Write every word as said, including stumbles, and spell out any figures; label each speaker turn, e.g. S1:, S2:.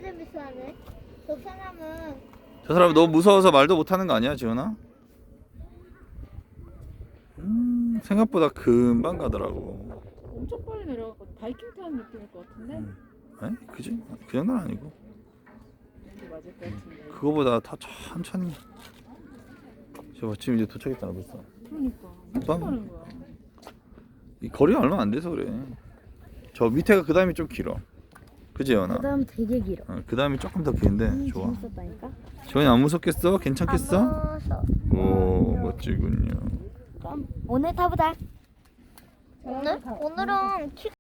S1: 재밌어하네. 저 사람은
S2: 저 사람 너무 무서워서 말도 못하는 거 아니야, 지훈아? 음, 생각보다 금방 가더라고.
S3: 엄청 빨리 내려가고 바이킹 타는 느낌일 것 같은데?
S2: 음. 에? 그지? 그 정도는 아니고.
S3: 이게 맞을 것 같은데.
S2: 그거보다 더 천천히. 저 지금 이제 도착했잖아, 벌써.
S3: 그러니까 엄청
S2: 빵.
S3: 빠른 거야.
S2: 이 거리가 얼마 안 돼서 그래. 저 밑에가 그 다음이 좀 길어. 그지, 연아?
S1: 그다음 되게 길어.
S2: 어, 그 다음이 조금 더 긴데
S1: 음,
S2: 좋아.
S1: 재밌었다니까.
S2: 지원이 안 무섭겠어? 괜찮겠어?
S1: 안 무서워.
S2: 오, 멋지군요.
S1: 그럼 오늘 타보자. 오늘 오늘은 키